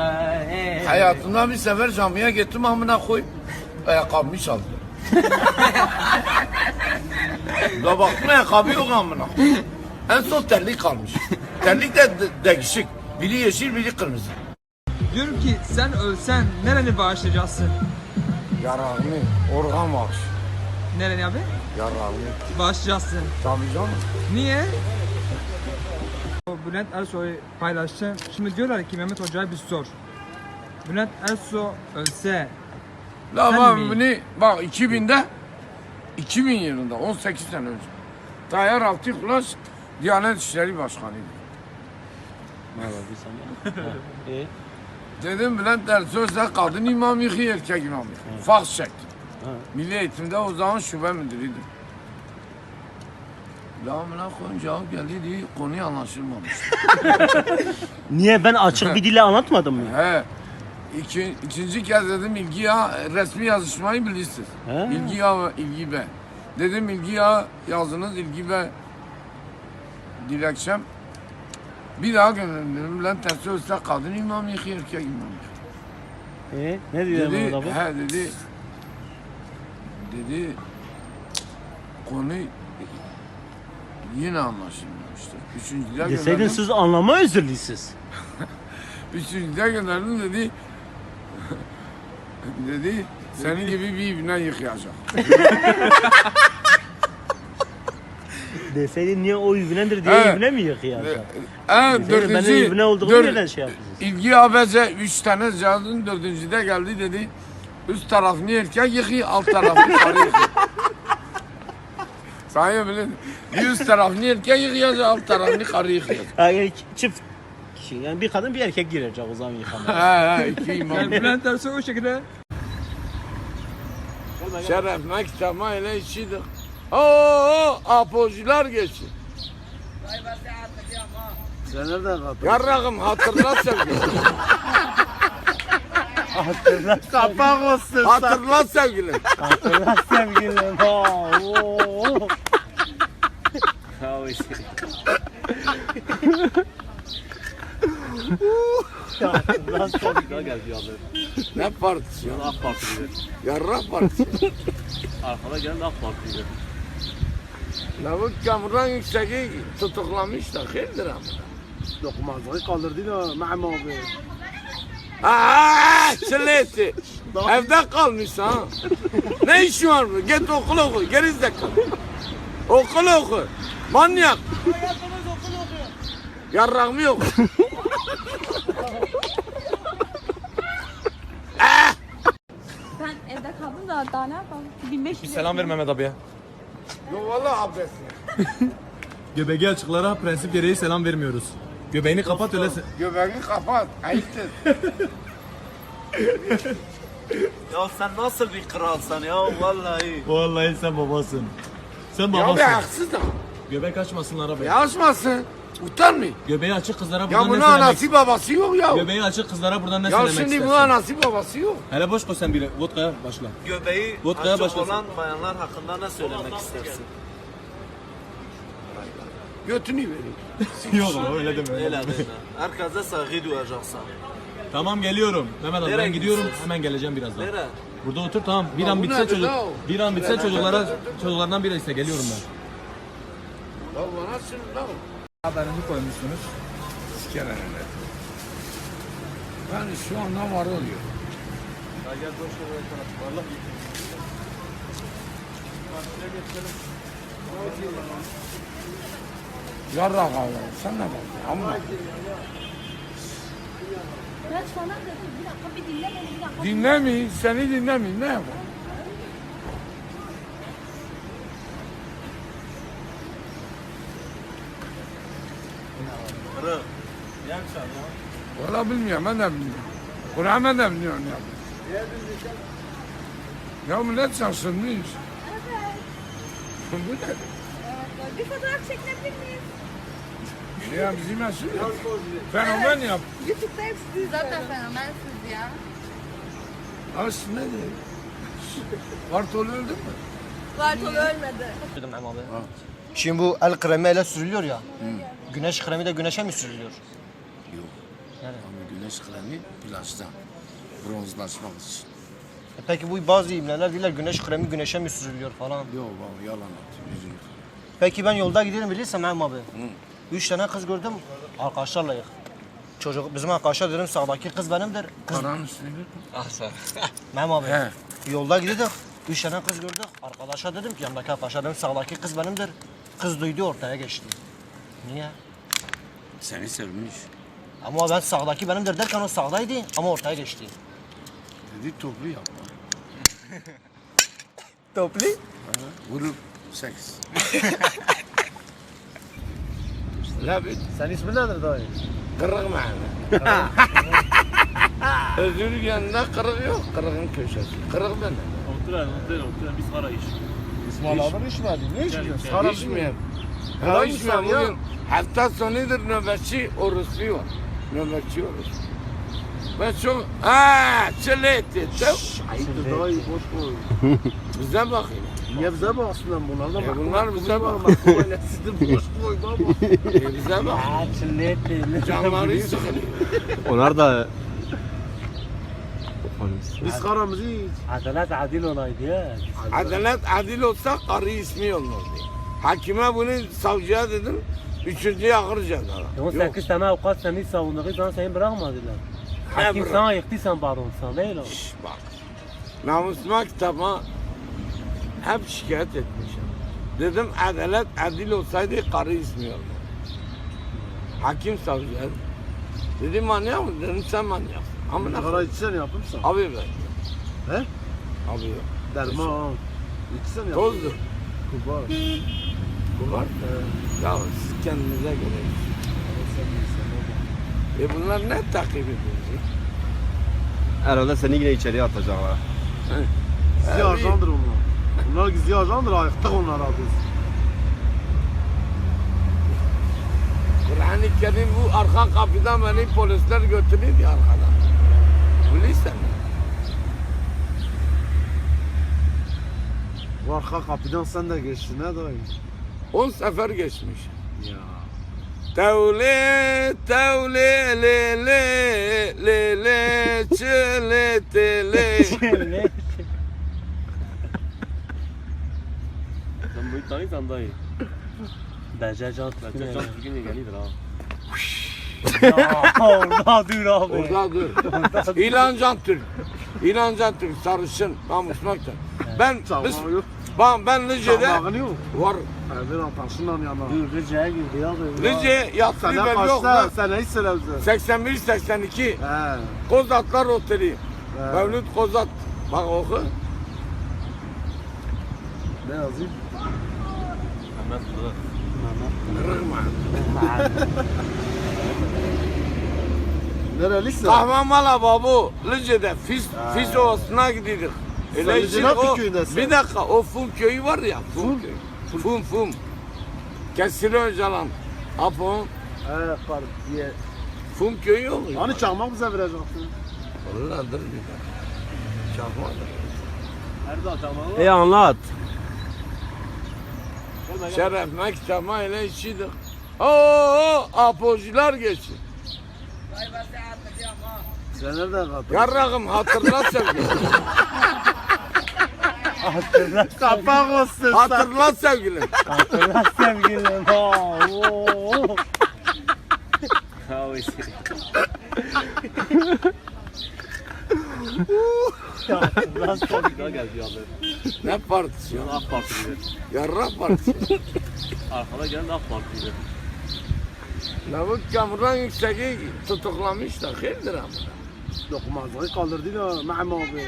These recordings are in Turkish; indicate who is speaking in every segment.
Speaker 1: Hayatımda bir sefer camiye gittim amına koyup ayakkabımı çaldı. Da baktım ayakkabı yok amına. En son terlik kalmış. Terlik de değişik. Biri yeşil, biri kırmızı.
Speaker 2: Diyorum ki sen ölsen nereni bağışlayacaksın?
Speaker 1: Yararını, organ bağış.
Speaker 2: Nereni abi?
Speaker 1: Yararını.
Speaker 2: Bağışlayacaksın.
Speaker 1: Tabii canım.
Speaker 2: Niye? O Bülent Ersoy'u paylaştı. Şimdi diyorlar ki Mehmet Hoca'ya bir sor. Bülent Ersoy ölse
Speaker 1: La
Speaker 2: Sen
Speaker 1: bak
Speaker 2: mi?
Speaker 1: bunu bak 2000 yılında 18 sene önce Tayyar Altıkulaş Diyanet İşleri Başkanı'ydı. Dedim Bülent Ersoy sen kadın imam yıkı erkek imam yıkı. Faks çekti. Milli Eğitim'de o zaman şube müdürüydüm. La amına koyun cevap geldi diye konuyu anlaşılmamış.
Speaker 3: Niye ben açık bir dille anlatmadım mı?
Speaker 1: He. İkinci kez dedim ilgi ya resmi yazışmayı bilirsiniz.
Speaker 3: He.
Speaker 1: İlgi ya ve ilgi be. Dedim ilgi ya yazınız ilgi be dilekçem. Bir daha gönderdim. Bülent Ersoy ise kadın imam yıkı erkek imam yıkı.
Speaker 3: Ne diyor
Speaker 1: Dedi,
Speaker 3: adamı?
Speaker 1: he dedi konu yine anlaşılmamıştı. Üçüncüde
Speaker 3: Deseydin
Speaker 1: gönderdim.
Speaker 3: siz anlama özürlüsünüz.
Speaker 1: Üçüncüde gönderdim dedi. Dedi senin gibi bir ibne yıkayacak.
Speaker 3: Deseydin niye o ibnedir diye
Speaker 1: Evet.
Speaker 3: ibne mi yıkıyor?
Speaker 1: Dördüncü,
Speaker 3: Benim ibne olduğumu nereden şey yapıyorsunuz?
Speaker 1: İlgi ABC 3 tane yazdım. Dördüncüde geldi dedi. Üst tarafını erkek yıkıyor, alt tarafını karı yıkıyor. Sayın bilin. Bir üst tarafını erkek yıkıyor, alt tarafını karı yıkıyor.
Speaker 3: Yani çift kişi, yani bir kadın bir erkek girecek o zaman yıkamaya.
Speaker 1: He iki imam.
Speaker 2: yani Bülent Ersoy o şekilde
Speaker 1: Şeref mektema ile işidir. Oo, apocular geçin.
Speaker 3: Sen nereden kapatın?
Speaker 1: Yarrağım hatırla sevgilim.
Speaker 3: Kapak olsun.
Speaker 1: Hatırla sevgilim.
Speaker 3: Hatırla sevgilim. Hatırla sevgilim.
Speaker 1: Ne partisi ya?
Speaker 3: AK Parti gibi.
Speaker 1: Yarrak partisi.
Speaker 3: Arkada gelen AK Parti gibi.
Speaker 1: La bu kamuran yükseği tutuklamış da hayırdır ama.
Speaker 3: Dokunmazlığı kaldırdı da Mehmet abi.
Speaker 1: Aaa çileti. Evde kalmış ha. Ne işin var bu? Git okul oku. Geri zekalı. Okul oku. Manyak. Yarrak mı yok?
Speaker 4: Ben evde kaldım da daha ne yapalım? 1500
Speaker 5: Selam ver Mehmet abiye.
Speaker 1: Yok valla abdest.
Speaker 5: Göbeği açıklara prensip gereği selam vermiyoruz. Göbeğini kapat öyle
Speaker 1: Göbeğini kapat. Ayıptır.
Speaker 3: Ya sen nasıl bir kralsın ya vallahi.
Speaker 5: Vallahi sen babasın. Sen
Speaker 1: Ya
Speaker 5: babasın.
Speaker 1: be haksız da.
Speaker 5: Göbek açmasınlar abi.
Speaker 1: Ya açmasın. Utanmayın.
Speaker 5: Göbeği açık kızlara
Speaker 1: Ya
Speaker 5: buradan ne
Speaker 1: bunun
Speaker 5: söylemek?
Speaker 1: anası babası yok ya.
Speaker 5: Göbeği açık kızlara buradan ne
Speaker 1: Ya
Speaker 5: söylemek
Speaker 1: şimdi
Speaker 5: istersin?
Speaker 1: bu anası babası yok.
Speaker 5: Hele boş koy sen biri. Vodka'ya başla.
Speaker 3: Göbeği
Speaker 5: Vodka'ya
Speaker 3: açık
Speaker 5: başlasın.
Speaker 3: olan bayanlar hakkında ne söylemek istersin?
Speaker 1: Götünü veriyor.
Speaker 5: Yok öyle deme.
Speaker 3: Öyle deme. Herkese saygı duyacaksın.
Speaker 5: Tamam geliyorum. Mehmet abi
Speaker 3: Nereye
Speaker 5: ben gidiyorum.
Speaker 3: gidiyorsun?
Speaker 5: Hemen geleceğim birazdan.
Speaker 3: Nereye?
Speaker 5: Burada otur tamam. Bir
Speaker 1: Ya
Speaker 5: an
Speaker 1: bu
Speaker 5: bitse
Speaker 1: nedir
Speaker 5: çocuk.
Speaker 1: la o?
Speaker 5: Bir an bitse çocuklardan biri ise geliyorum ben.
Speaker 1: Ya bana şimdi lan.
Speaker 2: haberini koymuşsunuz.
Speaker 1: Sikeler öyle. Yani şu anda var oluyor. Yarrak abi sen ne bakıyorsun? Amma.
Speaker 4: Ben sana dedim bir dakika bir dinle beni bir dakika.
Speaker 1: Dinlemeyin, seni dinlemeyin. Ne yapalım? Valla bilmiyorum, ben de bilmiyorum. Kur'an ben de bilmiyorum ya. Ya millet şaşırmış. Bu ne?
Speaker 4: Bir fotoğraf çekilebilir miyiz?
Speaker 1: Ya bizim meşhur ya. Fenomen yap.
Speaker 4: YouTube'da hepsi zaten fenomensiniz ya.
Speaker 1: Aslında ne diyor? Bartol öldü mü?
Speaker 4: Bartol ölmedi.
Speaker 6: Şimdi bu el kremi ele sürülüyor ya. Güneş kremi de güneşe mi sürülüyor?
Speaker 1: Ama güneş güneş kremi plajda bronzlaşmak için.
Speaker 6: Peki bu bazı imleler diyorlar güneş kremi güneşe mi sürülüyor falan.
Speaker 1: Yok baba yalan atıyor. Yüzünü.
Speaker 6: Peki ben yolda gidiyorum bilirsin Mehmet abi. 3 tane kız gördüm arkadaşlarla yık. Çocuk bizim arkadaşlar dedim sağdaki kız benimdir. Kız
Speaker 1: Karanın üstüne bir
Speaker 6: Mehmet abi.
Speaker 1: He.
Speaker 6: Yolda gidiyorduk. 3 tane kız gördük. Arkadaşa dedim ki yanındaki arkadaşa dedim sağdaki kız benimdir. Kız duydu ortaya geçti. Niye?
Speaker 1: Seni sevmiş.
Speaker 6: Ama ben sağdaki benimdir derken o sağdaydı ama ortaya geçti.
Speaker 1: Dedi toplu yapma.
Speaker 6: Toplu?
Speaker 1: Vurup seks. La bit.
Speaker 6: Sen ismin nedir dayı?
Speaker 1: Kırık mı? Özür yanında kırık yok. Kırığın köşesi. Kırık benim.
Speaker 3: Oturan biz para iş.
Speaker 6: İsmail abi içmedi. Ne içmiyorsun?
Speaker 1: Hiç içmiyorum. Ya içmiyorum. Bugün hafta sonudur nöbetçi orospu var. Nöbetçi orospu. Ben çok... Aaa! Çiletti.
Speaker 6: Ayıptır dayı boş koy.
Speaker 1: Bize bakayım.
Speaker 6: Niye bize baksın lan bunlar da
Speaker 1: Bunlar bize bak.
Speaker 6: Sizin boş koy baba.
Speaker 1: Bize bak.
Speaker 3: Çilletli.
Speaker 1: Canları sıkılıyor.
Speaker 5: Onlar da
Speaker 6: Biz karamızı iç.
Speaker 3: Adalet adil olaydı ya.
Speaker 1: Adalet adil olsa karı ismi olmazdı. Hakime bunu savcıya dedim. Üçüncüye akır ceza.
Speaker 3: 18 tane avukat seni savunduğu zaman seni bırakmadılar. Hakim
Speaker 1: bırak.
Speaker 3: sana yıktıysan bağırmışsan değil o.
Speaker 1: Şş, bak. Namusuma kitaba hep şikayet etmişim. Dedim adalet adil olsaydı karı ismi olmaz. Hakim savcıya dedim manyak mı? Dedim sen manyaksın. Amına
Speaker 6: Sigara
Speaker 1: koyayım.
Speaker 6: içsen yapımsan.
Speaker 1: Abi ben.
Speaker 6: He?
Speaker 1: Abi yok.
Speaker 6: Derman. İçsen yap.
Speaker 1: Tozdur.
Speaker 6: Kubar.
Speaker 1: Bu var. Ya siz kendinize göre. Bunlar ne takip ediyorsunuz?
Speaker 5: herhalde seni yine içeriye atacaklar.
Speaker 6: Gizli ajandır onlar. Bunlar gizli ajandır ayıktık onlara biz.
Speaker 1: Kur'an-ı Kerim bu arka kapıdan beni polisler götürüyor ya arkadan. Bilirsen mi?
Speaker 6: Bu arka kapıdan sen de geçtin ne dayı?
Speaker 1: 10 sefer geçmiş.
Speaker 6: Ya.
Speaker 1: Tevle, tevle, le, le, le, le, çile, tele.
Speaker 3: Sen bu tanıysan dayı. Bence can bugün de gelidir ha. Ya orada dur abi.
Speaker 1: Orada dur. İlancan Türk. İlancan Türk sarışın namusmakta. Ben
Speaker 6: Çamağı yok.
Speaker 1: ben Lice'de
Speaker 6: Çamağın yok.
Speaker 1: var.
Speaker 6: Evden ataşınla yana.
Speaker 3: Dur Rice'ye girdi abi.
Speaker 1: Lice yatsı
Speaker 6: Sen
Speaker 1: ben yok
Speaker 6: kaçta?
Speaker 1: lan.
Speaker 6: Sen hiç söyle bize.
Speaker 1: 81-82
Speaker 6: He.
Speaker 1: Kozatlar Oteli.
Speaker 6: He.
Speaker 1: Mevlüt Kozat. Bak oku.
Speaker 6: Ne yazayım?
Speaker 3: Hemen dur.
Speaker 1: Kırıkma.
Speaker 6: Nerelisin?
Speaker 1: Kahvamala babu. Lice'de Fis Ovası'na gidiyoruz.
Speaker 6: Sen
Speaker 1: Öyle
Speaker 6: Lice'nin
Speaker 1: için o,
Speaker 6: hangi köyündesin?
Speaker 1: bir dakika o Fum köyü var ya. Fum köyü. Fum. Kesiri Öcalan. Apo.
Speaker 6: Kar diye.
Speaker 1: Fum köyü yok mu?
Speaker 6: Hani çakmak bize vereceksin?
Speaker 1: Vallahi dur bir dakika. Çakmadır.
Speaker 3: Nerede çamağı?
Speaker 5: Anlat.
Speaker 1: Şeref mektama ile içidir. Oo, apocular geçin.
Speaker 6: Sen nereden kattın?
Speaker 1: Yarrağım hatırla sevgilim.
Speaker 6: Kapak olsun sen.
Speaker 1: Hatırla sevgilim.
Speaker 3: Hatırla sevgilim. Oo. Havası. Hatırla sevgilim. Geldi abi.
Speaker 1: Ne partisi ya?
Speaker 3: AK Parti'de.
Speaker 1: Yarrak partisi.
Speaker 3: Arkada gelen AK Parti'de.
Speaker 1: Lavuk Kamuran Yüksek'i tutuklamışlar. Hayırdır ama.
Speaker 6: Dokunmazlığı kaldırdı da Mehmet abi.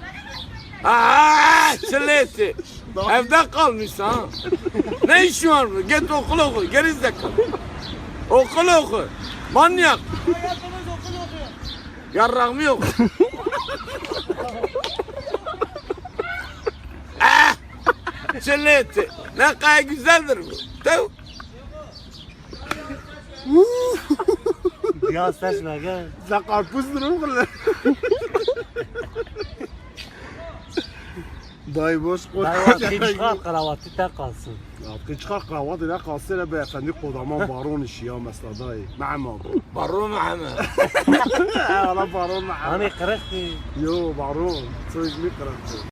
Speaker 1: Aaa çileti. Evde kalmış ha. Ne işin var bu? Git okul oku. Geri zekalı. Okul oku. Manyak. Yarrak mı yok? Ah! Çileti. Ne kadar güzeldir bu. Tev.
Speaker 3: Ya seçme gel.
Speaker 6: Sen karpuz durur mu lan? Dayı boş koy.
Speaker 3: Kravatı çıkar, kravatı tek kalsın.
Speaker 7: که چقدر قهوه دیگه قاصر به افندی قدامان بارون شیا مثلا دایی معمم
Speaker 1: بارون محمد
Speaker 7: انا بارون معمم
Speaker 3: Hani kırık ki.
Speaker 7: یو بارون سویش میکرم